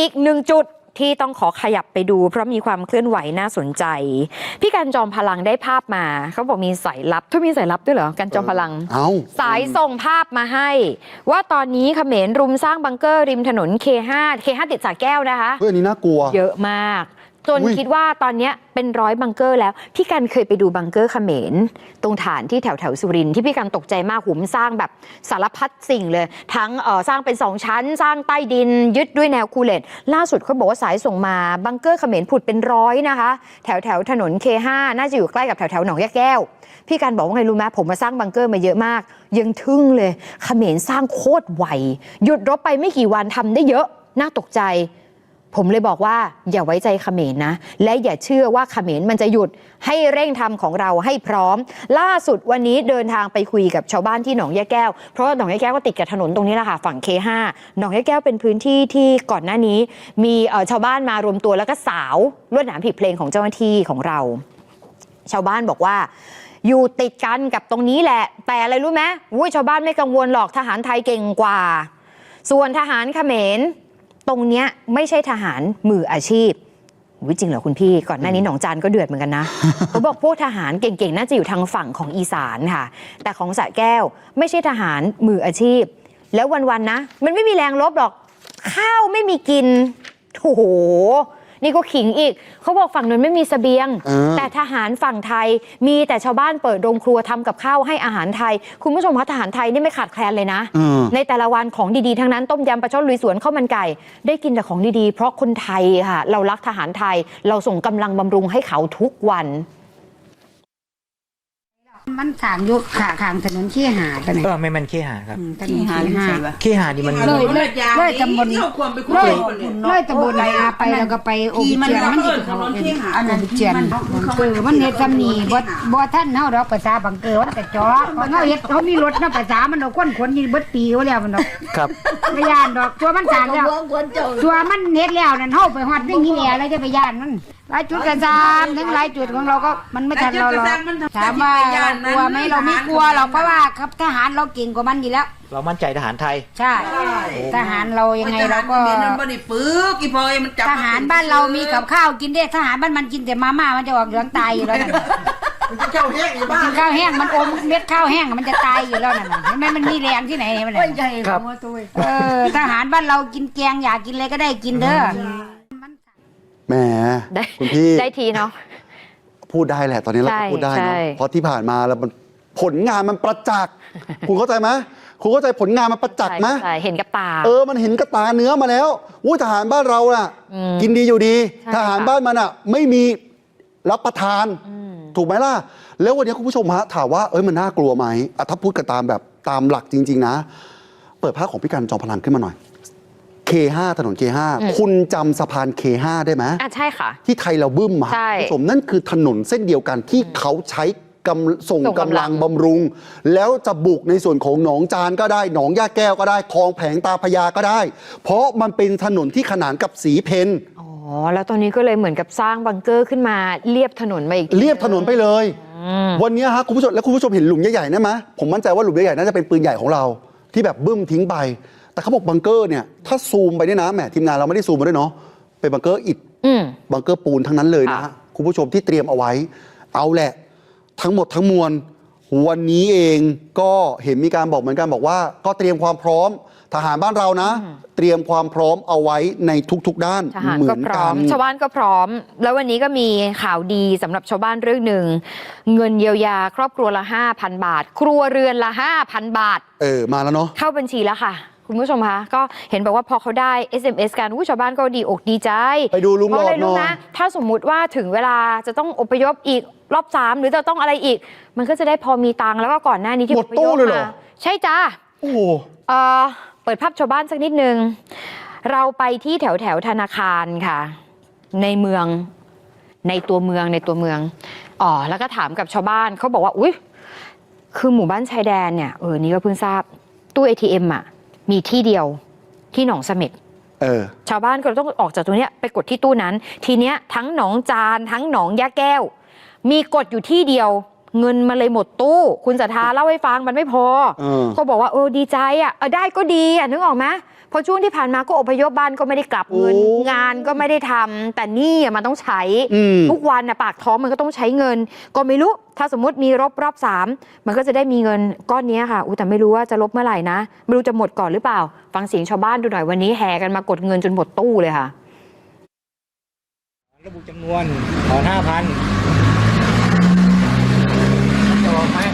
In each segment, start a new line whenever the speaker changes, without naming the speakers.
อีกหนึ่งจุดที่ต้องขอขยับไปดูเพราะมีความเคลื่อนไหวน่าสนใจพี่กันจอมพลังได้ภาพมาเขาบอกมีสายลับทุกมีสายลับด้วยเหรอกันจอมพลังสายส่งภาพมาให้ว่าตอนนี้เขมรรุมสร้างบังเกอร์ริมถนน K5 ติดสระแก้วนะคะ
อันนี้น่ากลัว
เยอะมากจนคิดว่าตอนนี้เป็น100บังเกอร์แล้วพี่กันเคยไปดูบังเกอร์เขมรตรงฐานที่แถวสุรินทร์ที่พี่กันตกใจมากหุมสร้างแบบสารพัดสิ่งเลยทั้งสร้างเป็น2ชั้นสร้างใต้ดินยึดด้วยแนวคูเลตล่าสุดเขาบอกว่าสายส่งมาบังเกอร์เขมรผุดเป็น100นะคะแถวถนน K5 น่าจะอยู่ใกล้กับแถวหนองยะแก้วพี่กันบอกว่าไงรู้ไหมผมมาสร้างบังเกอร์มาเยอะมากยังทึ่งเลยเขมรสร้างโคตรไวหยุดรบไปไม่กี่วันทำได้เยอะน่าตกใจผมเลยบอกว่าอย่าไว้ใจเขมรนะและอย่าเชื่อว่าเขมรมันจะหยุดให้เร่งทำของเราให้พร้อมล่าสุดวันนี้เดินทางไปคุยกับชาวบ้านที่หนองยะแก้วเพราะหนองยะแก้วก็ติดกับถนนตรงนี้แหละค่ะฝั่ง K5 หนองยะแก้วเป็นพื้นที่ที่ก่อนหน้านี้มีชาวบ้านมารวมตัวแล้วก็สาวลวดหนามผีเพลงของเจ้าหน้าที่ของเราชาวบ้านบอกว่าอยู่ติดกันกับตรงนี้แหละแต่อะไรรู้ไหมชาวบ้านไม่กังวลหรอกทหารไทยเก่งกว่าส่วนทหารเขมรตรงเนี้ยไม่ใช่ทหารมืออาชีพจริงเหรอคุณพี่ก่อนหน้านี้หนองจานก็เดือดเหมือนกันนะ เขาบอกพวกทหารเก่งๆน่าจะอยู่ทางฝั่งของอีสานค่ะแต่ของสระแก้วไม่ใช่ทหารมืออาชีพแล้ววันๆนะมันไม่มีแรงรบหรอกข้าวไม่มีกินโอ้โหนี่ก็ขิงอีกเขาบอกฝั่งนั้นไม่มีเสบียงแต่ทหารฝั่งไทยมีแต่ชาวบ้านเปิดโรงครัวทำกับข้าวให้อาหารไทยคุณผู้ชมคะทหารไทยนี่ไม่ขาดแคลนเลยนะในแต่ละวันของดีๆทั้งนั้นต้มยำปลาช่อนลุยสวนข้าวมันไก่ได้กินแต่ของดีๆเพราะคนไทยค่ะเรารักทหารไทยเราส่งกำลังบำรุงให้เขาทุกวัน
มันขางยุคขางถนนขี้หาไปไหน
ไม่มันขี้หาครับ
ขี้หา
ขี้หานี่มัน
เลยตำบลเลยตำบลนาไปแล้วก็ไปโอบิเจียนมันอยู่เขาเป็นโอบิเจียนมันเฮ็ดซ้ำนี่บ่ท่านเฮาดอกภาษาบังเกิดมันแต่จ่อเฮาเฮ็ดเขามีรถนะภาษามันดอกคนยิงเบิดปีเขาแล้วมันดอก
ครับ
ไปย่านดอกตัวมันสร้างแล้วตัวมันเฮ็ดแล้วนั่นเฮาไปฮอดนี่แหละแล้วจะไปย่านมันหลายจุดกระซามทั้งหลายจุดของเราก็มันไม่ทันเราหรอกถามว่าเรากลัวไหมเราไม่กลัวหรอกเพราะว่าครับทหารเราเก่งกว่ามันอยู่แล้ว
เรามั่นใจทหารไทย
ใช่ทหารเรายังไงเราก็ทหารบ้านเรามีกับข้าวกินได้ทหารบ้านมันกินแต่มาม่ามันจะออกเหลืองตายอยู่แล้วนั่น
ข้าวแห้งอยู่บ้าน
ข้าวแห้งมันอมเม็ดข้าวแห้งมันจะตายอยู่แล้วนั่นเห็นไหมมันมีแรงที่ไหนมัน
ครับ
ทหารบ้านเรากินแกงอยากกินอะไรก็ได้กินเด้อ
แหมคุณพี่
ได้ทีเนาะ
พูดได้แหละตอนนี้เราพูดได้เนาะเพราะที่ผ่านมาแล้วมันผลงานมันประจักษ์คุณเข้าใจไหมคุณเข้าใจผลงานมันประจักษ์ไหม
เห็นกับตา
มันเห็นกับตาเนื้อมาแล้วทหารบ้านเราน่ะกินดีอยู่ดีทหารบ้านมันอ่ะไม่มีรับประทานถูกไหมล่ะแล้ววันนี้คุณผู้ชมฮะถามว่ามันน่ากลัวไหมถ้าพูดกันตามหลักจริงๆนะเปิดภาพของพี่กันจอมพลังขึ้นมาหน่อยK5 ถนน K5 คุณจำสะพาน K5 ได้ไหม
ใช่ค่ะ
ที่ไทยเราบึ้มมาคุณผู้ชมนั่นคือถนนเส้นเดียวกันที่เขาใช้ส่งกำลังบำรุงแล้วจะบุกในส่วนของหนองจานก็ได้หนองย่าแก้วก็ได้คลองแผงตาพญาก็ได้เพราะมันเป็นถนนที่ขนานกับสีเพน
แล้วตอนนี้ก็เลยเหมือนกับสร้างบังเกอร์ขึ้นมาเลียบถนนมาอีก
เลียบถนนไปเลยวันนี้ฮะคุณผู้ชมและคุณผู้ชมเห็นหลุมใหญ่ๆนั่นไหมผมมั่นใจว่าหลุมใหญ่ๆน่าจะเป็นปืนใหญ่ของเราที่แบบบึ้มทิ้งไปแต่เขาบอกบังเกอร์เนี่ยถ้าซูมไปเนี่ยนะแหมทีมงานเราไม่ได้ซูมมาด้วยเนาะเป็นบังเกอร์อิฐบังเกอร์ปูนทั้งนั้นเลยนะฮะคุณผู้ชมที่เตรียมเอาไว้เอาแหละทั้งหมดทั้งมวลวันนี้เองก็เห็นมีการบอกเหมือนกันบอกว่าก็เตรียมความพร้อมทหารบ้านเรานะเตรียมความพร้อมเอาไว้ในทุกๆด้านเหมือนกัน
ชาวบ้านก็พร้อมแล้ววันนี้ก็มีข่าวดีสำหรับชาวบ้านเรื่องหนึ่งเงินเยียวยาครอบครัวละ 5,000 บาทครัวเรือนละ 5,000 บาท
มาแล้วเนาะ
เข้าบัญชีแล้วค่ะคุณผู้ชมคะก็เห็นบอกว่าพอเขาได้ SMS กันชาวบ้านก็ดีอกดีใจ
ไปดูลุงหลอดหน่อย
นะถ้าสมมุติว่าถึงเวลาจะต้องอพยพอีกรอบ3หรือจะต้องอะไรอีกมันก็จะได้พอมีตังค์แล้วก็ก่อนหน้านี้ที่
อพยพมา
ใช่จ้า
โอ้โห
เปิดภาพชาวบ้านสักนิดนึงเราไปที่แถวธนาคารค่ะในเมืองในตัวเมืองแล้วก็ถามกับชาวบ้านเขาบอกว่าอุ๊ยคือหมู่บ้านชายแดนเนี่ยนี่ก็เพิ่งทราบตู้ ATM มีที่เดียวที่หนองเสม็ดชาวบ้านก็ต้องออกจากตรงนี้ไปกดที่ตู้นั้นทีเนี้ยทั้งหนองจานทั้งหนองยะแก้วมีกดอยู่ที่เดียวเงินมาเลยหมดตู้คุณศรัทธาเล่าให้ฟังมันไม่พอเขาบอกว่าดีใจได้ก็ดีนึกออกไหมเพราะช่วงที่ผ่านมาก็อพยพบ้านก็ไม่ได้กลับเงิน
โอ้
งานก็ไม่ได้ทำแต่หนี่มันต้องใช้ ทุกวันนะปากท้องมันก็ต้องใช้เงิน ก็ไม่รู้ถ้าสมมติมีรอบ3มันก็จะได้มีเงินก้อนนี้ค่ะแต่ไม่รู้ว่าจะลบเมื่อไหร่นะไม่รู้จะหมดก่อนหรือเปล่าฟังเสียงชาวบ้านดูหน่อยวันนี้แห่กันมากดเงินจนหมดตู้เลยค่ะ
ระบุจำนวนถอน 5,000จะออกไหม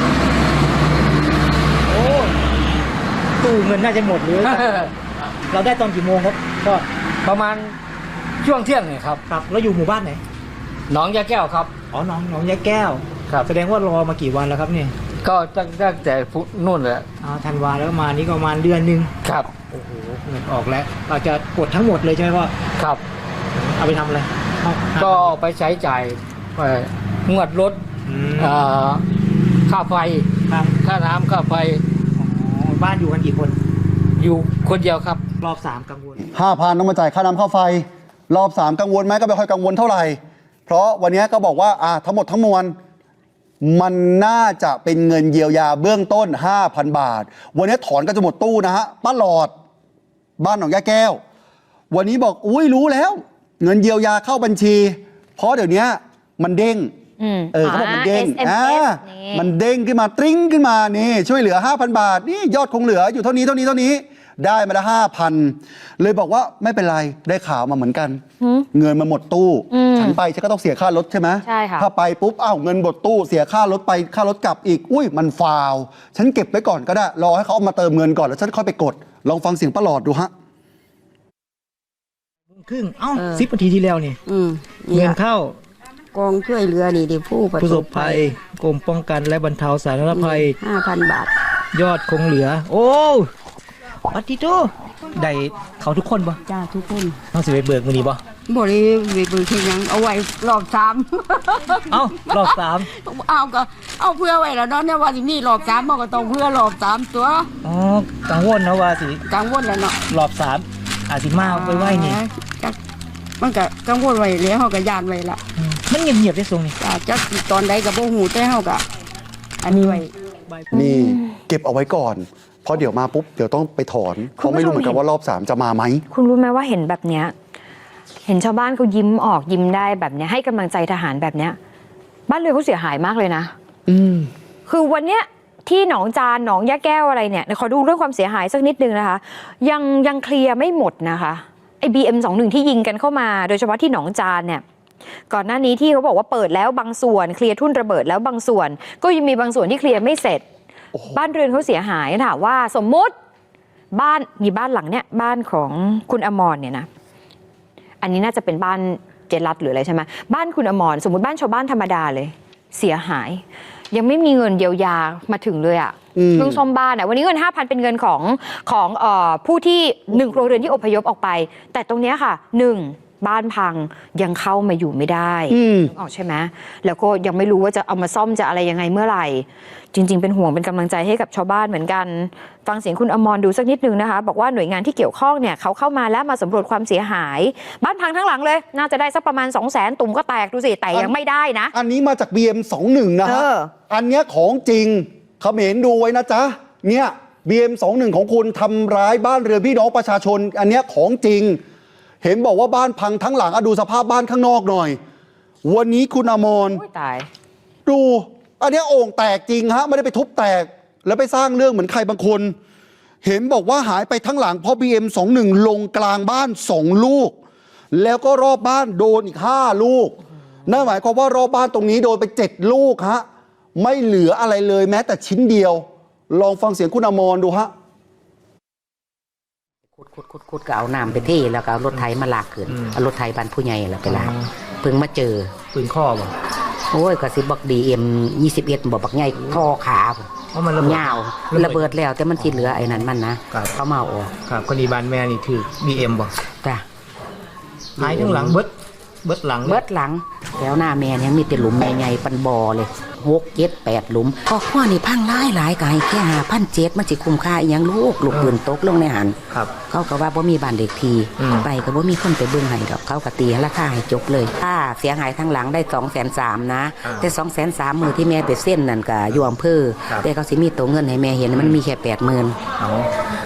โอ้ตู้เงินน่าจะหมดเลย เราได้ตอนกี่โมงครับก็
ประมาณช่วงเที่ยงเนี่ยครับ
ครับเราอยู่หมู่บ้านไหน
หนองยาแก้วครับ
อ๋อหนองยายแก้ว
ครับ
แสดงว่ารอมากี่วันแล้วครับเนี่ย
ก็ตั้งแต่นู่นแหละ
ธันวาแล้วมานี่ก็ประมาณเดือนหนึง
ครับ
โอ้โหเงินออกแล้ว เราจะกดทั้งหมดเลยใช่ไหมพ่อ
ครับ
เอาไปทำอะไรเอา
ก็ไปใช้จ่ายงวดรถ
อืม
ค่าไฟ
ครับ
ค่าน้ำค่าไฟ
อ๋อบ้านอยู่กันกี่คน
อยู่คนเดียวครับ
รอบ3กังวล
5,000ต้องมาจ่ายค่าน้ำค่าไฟ รอบ 3 กังวลไหมก็ไม่ค่อยกังวลเท่าไหร่ เพราะวันนี้ก็บอกว่าทั้งหมดทั้งมวลมันน่าจะเป็นเงินเยียวยาเบื้องต้น 5,000 บาท วันนี้ถอนก็จะหมดตู้นะฮะป้าหลอด บ้านหนองยาแก้ว วันนี้บอกอุ้ยรู้แล้ว เงินเยียวยาเข้าบัญชี เพราะเดี๋ยวนี้มันเด้งเขาบอกมันเด้ง
SMS
มันเด้งขึ้นมาตริ้งขึ้นมานี่ช่วยเหลือ 5,000 บาทนี่ยอดคงเหลืออยู่เท่านี้ได้มาละ5,000เลยบอกว่าไม่เป็นไรได้ข่าวมาเหมือนกัน เงินมันหมดตู้ฉันไปฉันก็ต้องเสียค่ารถใช่ไหม
ใช่ค่ะ
ถ้าไปปุ๊บเงินหมดตู้เสียค่ารถไปค่ารถกลับอีกอุ้ยมันฟาวฉันเก็บไว้ก่อนก็ได้รอให้เขาเอามาเติมเงินก่อนแล้วฉันค่อยไปกดลองฟังเสียงป้าหลอดดูฮะ
ครึ่ง10 นาทีที่แล้วนี่
นี่
เงิน
ล่ะ
เข้าก
องช่วยเหลือนี่ดิผู้ประ
ผู้
ส
ส
บบ
ภัยกรมป้องกันและบรรเทาสาธารณภัย
5,000 บาท
ยอดคงเหลือ โอ้ปัตติโตได้เขาทุกคนปะ
จ้าทุกคน
ต้องสิไปเบิกมือนี้ปะ
บ่ได้เบิกเฮ็ดหยังเอาไว้รอบ3
เอ้ารอบ3
เอาก็เอาเพื่อไว้แล้วเนาะเนี่ยว่าสิมีรอบ3มันก็ต้องเพื่อรอบ3ตัว
อ๋อกังวลนะว่าสิ
กังวลแล้วเนาะ
รอบ3อาจสิมาไว้นี่
จักมันก็กังวลไว้แล้วเฮาก็ย่านไว้ละ
มันเงียบๆได้ทรงนี่
จ้าจักสิตอนใดก็บ่ฮู้แต่เฮาก็อันนี้ไว้
นี่เก็บเอาไว้ก่อนเพราะเดี๋ยวมาปุ๊บเดี๋ยวต้องไปถอนเพราะไม่รู้เหมือนกันว่ารอบ 3 จะมาไหม
คุณรู้ไหมว่าเห็นแบบเนี้ยเห็นชาวบ้านเขายิ้มออกยิ้มได้แบบเนี้ยให้กำลังใจทหารแบบเนี้ยบ้านเรือนเขาเสียหายมากเลยนะคือวันเนี้ยที่หนองจานหนองยะแก้วอะไรเนี่ยขอดูเรื่องความเสียหายสักนิดนึงนะคะยังเคลียร์ไม่หมดนะคะไอ้ BM21 ที่ยิงกันเข้ามาโดยเฉพาะที่หนองจานเนี่ยก่อนหน้านี้ที่เขาบอกว่าเปิดแล้วบางส่วนเคลียร์ทุ่นระเบิดแล้วบางส่วน ก็ยังมีบางส่วนที่เคลียร์ไม่เสร็จบ้านเรือนเขาเสียหายถามว่าสมมุติบ้านหลังเนี่ยบ้านของคุณอมรเนี่ยนะอันนี้น่าจะเป็นบ้านเจรัตหรืออะไรใช่ไหมบ้านคุณอมรสมมติบ้านชาวบ้านธรรมดาเลยเสียหาย ยังไม่มีเงินเยียวยามาถึงเลยอะเรื่องซ่อมบ้านวันนี้เงิน 5,000 เป็นเงินของผู้ที่1 ครัวเรือนที่อพยพออกไป แต่ตรงเนี้ยค่ะ1บ้านพังยังเข้ามาอยู่ไม่ได้ออกใช่ไหมแล้วก็ยังไม่รู้ว่าจะเอามาซ่อมจะอะไรยังไงเมื่อไหร่ จริงๆเป็นห่วงเป็นกำลังใจให้กับชาวบ้านเหมือนกันฟังเสียงคุณอมรดูสักนิดนึงนะคะบอกว่าหน่วยงานที่เกี่ยวข้องเนี่ยเขาเข้ามาแล้วมาสำรวจความเสียหายบ้านพังทั้งหลังเลยน่าจะได้สักประมาณ 200,000 ตุ่มก็แตกดูสิแต่ยังไม่ได้นะ
อันนี้มาจาก BM21 นะฮะอันเนี้ยของจริงเขมรดูไว้นะจ๊ะเนี่ย BM21 ของคุณทำร้ายบ้านเรือนพี่น้องประชาชนอันเนี้ยของจริงเห็นบอกว่าบ้านพังทั้งหลังดูสภาพบ้านข้างนอกหน่อยวันนี้คุณอมร
ตาย
ดูอันเนี้ยโอ่งแตกจริงฮะไม่ได้ไปทุบแตกแล้วไปสร้างเรื่องเหมือนใครบางคน เห็นบอกว่าหายไปทั้งหลังเพราะ BM21 ลงกลางบ้าน2 ลูกแล้วก็รอบบ้านโดนอีก5 ลูกนั่นหมายความว่ารอบบ้านตรงนี้โดนไป7 ลูกฮะไม่เหลืออะไรเลยแม้แต่ชิ้นเดียวลองฟังเสียงคุณอมรดูฮะ
ขุดก็เอาน้ำไปเทแล้วก็เอารถไถมาลากขึ้นเอารถไถบ้านผู้ใหญ่แล้วไปลากเพิ่งมาเจอ
ปืนข้อบ่
โอ้ยก็สิบอกDM21บอกบักใหญ่ท่อขา
เพราะมันระเบิด
ยาวระเบิดแล้วแต่มันที่เหลือไอ้นั้นมันนะเขามาเอาออก
ครับคนดีบ้านแม่นี่ถือ BM บ่
จ้ะ
หายทั้งหลังเบิดหลัง
เบิดหลังแล้วหน้าแม่ยังมีแต่หลุมใหญ่ๆปันบ่อเลย6 7 8 หลุมก็ข้อนี่พังหลายก็ให้แค่5,700มันสิคุ้มค่าอีหยังลูกปืนตกลงในหัน
ครับ
เขาก็ว่าบ่มีบ้านเด็กทีไปก็บ่มีคนไปเบิ่งให้ดอกเขาก็ตีราคาให้จบเลยค่าเสียหายทั้งหลังได้ 230,000 นะแต่ 230,000 มื้อที่แม่ไปเส้นนั่นก็อยู่อำเภอแต่เขาสิมีตัวเงินให้แม่เห็นมันมีแค่ 80,000
เอา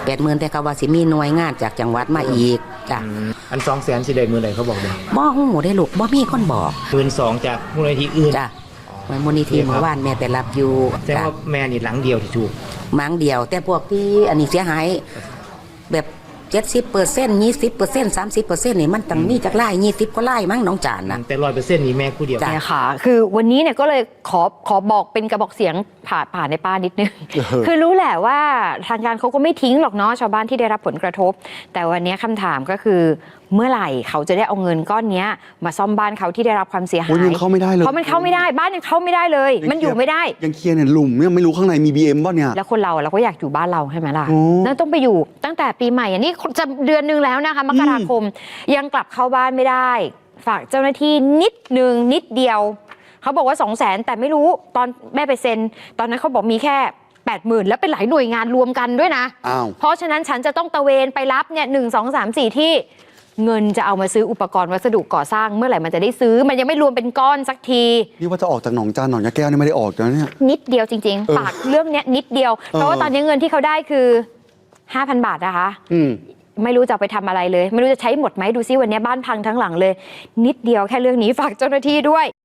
80,000แต่ก็ว่าสิมีหน่วยงานจากจังหวัดมาอีกจ้ะ
อัน200,000สิได้มื้อใดเขาบอกบ่
บ่ฮู้ได้ลูกบ่มีคนบอก
12,000จากมูลนิธิอื่น
จ้ะมูลนิธิเมื่อวานแม่ไปรับอยู่
แต่ว่าแม่นี่หลังเดียวที่ถูก
หมังเดียว แต่พวกที่อันนี้เสียหายแบบ70% 20% 30%นี่มันต้องมีจักไร่20กว่าไร่มั้งน้องจานนะ
แต่100%นี่แม่ผู้เดียว
เนี่ยค่ะ คือวันนี้เนี่ยก็เลยขอบอกเป็นกระบอกเสียงผ่านในป้านิดนึง คือรู้แหละว่าทางการเขาก็ไม่ทิ้งหรอกเนาะชาวบ้านที่ได้รับผลกระทบ แต่วันนี้คำถามก็คือเมื่อไหร่เขาจะได้เอาเงินก้อนเนี้ยมาซ่อมบ้านเขาที่ได้รับความเสียหา
โอ้ย
ย
ยังเข้าไม่ได้เลย
เพราะมันเข้าไม่ได้บ้านยังเข้าไม่ได้เลย มันอยู่ไม่ได้
ยังเคลียร์เนี่ยหลุมเนี่ยไม่รู้ข้างในมี BM ป่ะเนี่ย
แล้วคนเราก็อยากอยู่บ้านเราใช่ไหมล่ะ
โอ้
นั่นต้องไปอยู่ตั้งแต่ปีใหม่อันนี้จะเดือนนึงแล้วนะคะมกราคมยังกลับเข้าบ้านไม่ได้ ฝากเจ้าหน้าที่นิดเดียวเขาบอกว่า200,000แต่ไม่รู้ตอนแม่ไปเซ็นตอนนั้นเขาบอกมีแค่ 80,000แล้วเป็นหลายหน่วยงานรวมกันด้วยนะ
อ้าว
เพราะฉะนั้นฉันจะต้องตะเวนไปรับเนี่ย1 2 3 4ที่เงินจะเอามาซื้ออุปกรณ์วัสดุก่อสร้างเมื่อไหร่มันจะได้ซื้อมันยังไม่รวมเป็นก้อนสักที
นี่ว่าจะออกจากหนองจานหนองยาแก้วนี่ไม่ได้ออกแล้วเนี่ย
นิดเดียวจริง
เออ
ๆฝากเรื่องเนี้ยนิดเดียว เพราะว่าตอนนี้เงินที่เขาได้คือ 5,000 บาทนะคะ
อืม
ไม่รู้จะเอาไปทำอะไรเลย ไม่รู้จะใช้หมดไหมดูซิวันนี้บ้านพังทั้งหลังเลย นิดเดียวแค่เรื่องนี้ฝากเจ้าหน้าที่ด้วย